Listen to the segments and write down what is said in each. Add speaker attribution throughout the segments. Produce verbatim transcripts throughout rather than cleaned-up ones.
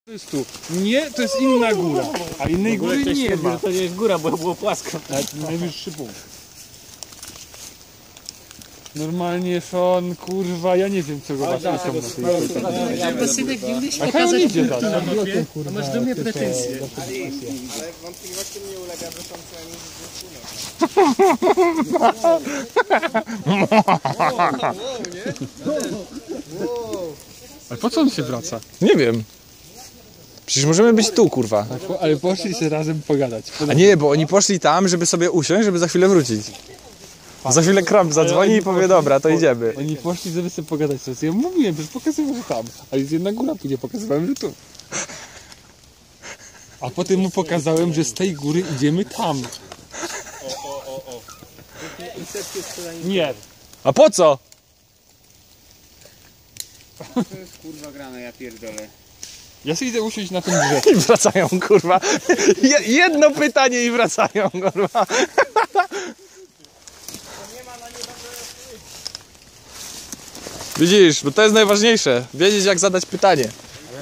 Speaker 1: To jest tu. Nie, to jest inna góra. A innej góry nie ma.
Speaker 2: To nie jest góra, bo było płasko.
Speaker 1: Ale to najwyższy punkt. Normalnie Sean, kurwa, ja nie wiem czego was tam na tej
Speaker 2: Synek, nie umiesz
Speaker 1: A hej, on idzie tam.
Speaker 2: A masz do mnie pretensje.
Speaker 3: Ale wątpliwości nie ulega, że są co najmniej
Speaker 1: Ale po co on się wraca?
Speaker 4: Nie wiem. Przecież możemy być tu, kurwa.
Speaker 1: Ale poszli się razem pogadać.
Speaker 4: A nie, bo oni poszli tam, żeby sobie usiąść, żeby za chwilę wrócić. Za chwilę Kramp zadzwoni i powie, dobra, to idziemy.
Speaker 1: Oni poszli, żeby sobie pogadać. Ja mówiłem, że pokazywałem, że tam. Ale jest jedna góra, później pokazywałem, że tu. A potem mu pokazałem, że z tej góry idziemy tam.
Speaker 3: O, o, o, o.
Speaker 1: Nie.
Speaker 4: A po co?
Speaker 3: To jest kurwa grane, ja pierdolę.
Speaker 1: Ja sobie idę usiąść na tym drzewie.
Speaker 4: I wracają, kurwa. Je, jedno pytanie i wracają, kurwa. Widzisz, bo to jest najważniejsze. Wiedzieć, jak zadać pytanie.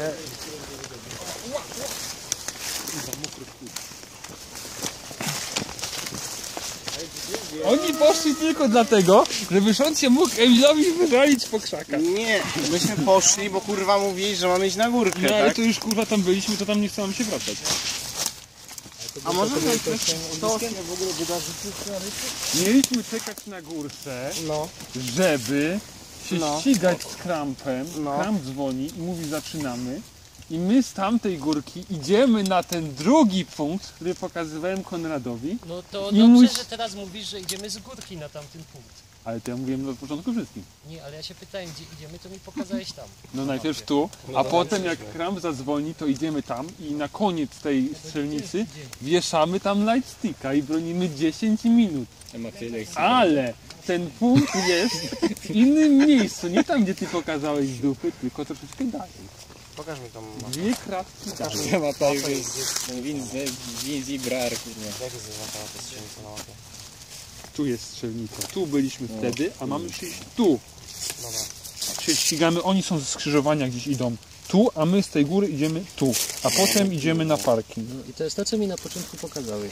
Speaker 1: Oni poszli tylko dlatego, żeby Sean się mógł Emilowi wywalić po krzakach.
Speaker 3: Nie, myśmy poszli, bo kurwa mówili, że mamy iść na górkę,
Speaker 1: No ale
Speaker 3: tak?
Speaker 1: to już kurwa tam byliśmy, to tam nie chce nam się wracać.
Speaker 3: A może to to
Speaker 1: w ogóle mieliśmy czekać na górce,
Speaker 3: no,
Speaker 1: żeby się
Speaker 3: No.
Speaker 1: ścigać z Krampem.
Speaker 3: No.
Speaker 1: Kramp dzwoni i mówi zaczynamy. I my z tamtej górki idziemy na ten drugi punkt, który pokazywałem Konradowi.
Speaker 2: No to
Speaker 1: I
Speaker 2: dobrze,
Speaker 1: mój-
Speaker 2: że teraz mówisz, że idziemy z górki na tamten punkt.
Speaker 1: Ale to ja mówiłem od początku wszystkim.
Speaker 2: Nie, ale ja się pytałem, gdzie idziemy, to mi pokazałeś tam.
Speaker 1: No najpierw tu, a potem jak Kramp zadzwoni, to idziemy tam i na koniec tej strzelnicy wieszamy tam lightsticka i bronimy dziesięć minut. Ale ten punkt jest w innym miejscu, nie tam, gdzie ty pokazałeś z dupy, tylko troszeczkę dalej.
Speaker 3: pokaż mi tą mapę.
Speaker 1: Dwie kratki dalej.
Speaker 5: Ta mapa już jest Winz i Brar, kurwa.
Speaker 3: Jak jest zaznaczona ta strzelnica na mapie?
Speaker 1: Tu jest strzelnica, tu byliśmy wtedy, a mamy się iść tu.
Speaker 3: Dobra.
Speaker 1: Się ścigamy, oni są ze skrzyżowania, gdzieś idą tu, a my z tej góry idziemy tu, a potem idziemy na parking.
Speaker 2: I to jest to, co mi na początku pokazałeś.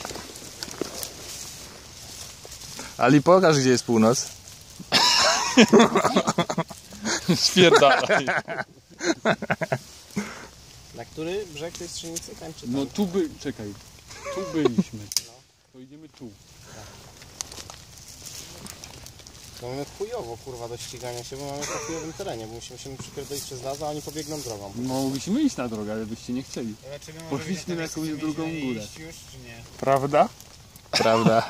Speaker 4: Ali, pokaż, gdzie jest północ.
Speaker 1: Spierdalaj.
Speaker 3: Na który brzeg tej strzelnicy? Tam czy tam?
Speaker 1: No tu by... czekaj. Tu byliśmy. To idziemy tu.
Speaker 3: To mamy chujowo kurwa do ścigania się, bo mamy po chujowym terenie, bo musimy się przypierdolić przez las, a oni pobiegną drogą.
Speaker 1: Mogliśmy iść na drogę, ale byście nie chcieli. Poszliśmy na jakąś drugą górę.
Speaker 3: Już, czy nie?
Speaker 1: Prawda?
Speaker 4: Prawda.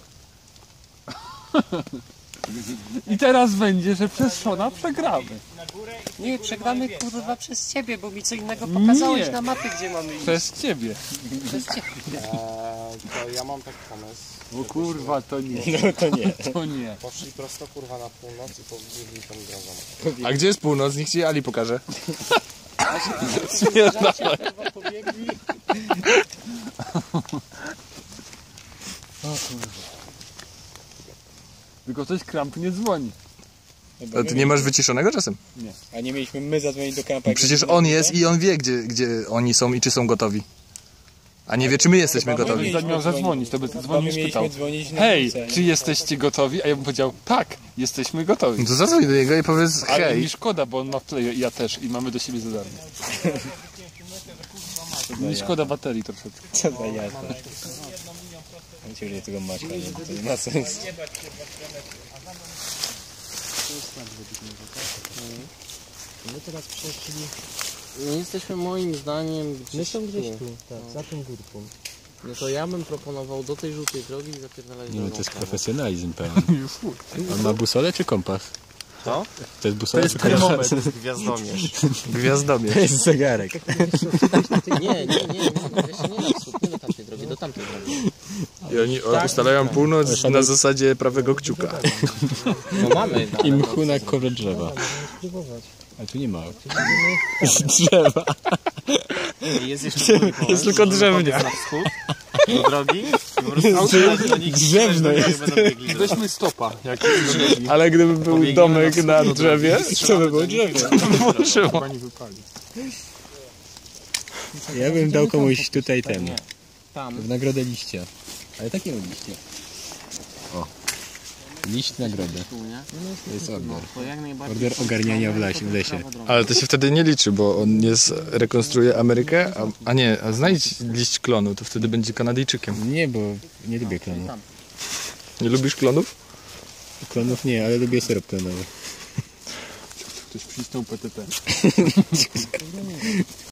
Speaker 1: I teraz będzie, że przez Szona przegramy.
Speaker 2: Nie, przegramy kurwa przez ciebie, bo mi co innego pokazałeś
Speaker 1: Nie.
Speaker 2: na mapie, gdzie mamy iść.
Speaker 1: Przez ciebie.
Speaker 2: Przez ciebie.
Speaker 3: Eee, to ja mam taki pomysł.
Speaker 1: Bo kurwa to nie.
Speaker 5: No to nie.
Speaker 1: To nie.
Speaker 3: Poszli prosto kurwa na północ i pobiegli tą drogą.
Speaker 4: A gdzie jest północ? Niech ci Ali pokaże.
Speaker 3: Kurwa pobiegli.
Speaker 1: Tylko coś Kramp nie dzwoni.
Speaker 4: A ty nie masz wyciszonego czasem?
Speaker 5: A nie mieliśmy my zadzwonić do kampa.
Speaker 4: Przecież on jest i on wie, gdzie, gdzie oni są i czy są gotowi. A nie wie, czy my jesteśmy gotowi.
Speaker 1: Gdyby miał zadzwonić, to by dzwonił i spytał.
Speaker 5: dzwonić na
Speaker 1: Hej,
Speaker 5: ulicę.
Speaker 1: czy jesteście gotowi? A ja bym powiedział, tak, jesteśmy gotowi.
Speaker 4: No to zadzwoń do niego i powiedz
Speaker 1: Ale
Speaker 4: hej.
Speaker 1: mi szkoda, bo on ma w play i ja też i mamy do siebie za darmo. Mi szkoda baterii troszeczkę.
Speaker 5: Co za jazda. Ciągle tego masz, ale to nie ma sensu.
Speaker 2: My teraz przeszli...
Speaker 3: My jesteśmy moim zdaniem
Speaker 2: My
Speaker 3: gdzieś
Speaker 2: są gdzieś
Speaker 3: tu.
Speaker 2: tu, tak, za tą górką.
Speaker 3: No to ja bym proponował do tej żółtej drogi i zapierdalać drogą.
Speaker 5: profesjonalizm pełen. On ma busolę czy kompas?
Speaker 3: Co?
Speaker 5: To jest busola czy
Speaker 1: termometr.
Speaker 3: To jest gwiazdomierz.
Speaker 4: Gwiazdomierz.
Speaker 5: To jest zegarek.
Speaker 3: Nie, nie, nie, nie, jeszcze nie na wschód, nie do tamtej drogi, do tamtej drogi.
Speaker 4: I oni ustalają północ na zasadzie prawego kciuka.
Speaker 3: No mamy.
Speaker 5: I mchu na korze drzewa.
Speaker 2: Możemy spróbować.
Speaker 5: Ale tu nie ma. Drzewa.
Speaker 3: Jest jeszcze
Speaker 4: Jest tylko drzewnia.
Speaker 3: na wschód do drogi. I po prostu do nich
Speaker 5: Drzewno jest.
Speaker 3: będą biegli.
Speaker 1: Weźmy stopa. Jak
Speaker 4: Ale gdyby był domek na drzewie,
Speaker 5: To by było drzewo.
Speaker 4: Szymon.
Speaker 1: pani wypali.
Speaker 5: Ja bym dał komuś tutaj ten,
Speaker 3: Tam.
Speaker 5: w nagrodę liścia. Ale takiego liścia. O. Liść nagrodę.
Speaker 3: Tu, nie?
Speaker 5: To jest order.
Speaker 3: To jak najbardziej.
Speaker 5: Order ogarniania w lesie. W lesie.
Speaker 4: Ale to się wtedy nie liczy, bo on jest, rekonstruuje Amerykę, a, a nie, a znajdź liść klonu, to wtedy będzie Kanadyjczykiem.
Speaker 5: Nie, bo nie lubię klonów.
Speaker 4: Nie lubisz klonów?
Speaker 5: Klonów nie, ale lubię syrop klonowy.
Speaker 1: Ktoś przycisnął P T T.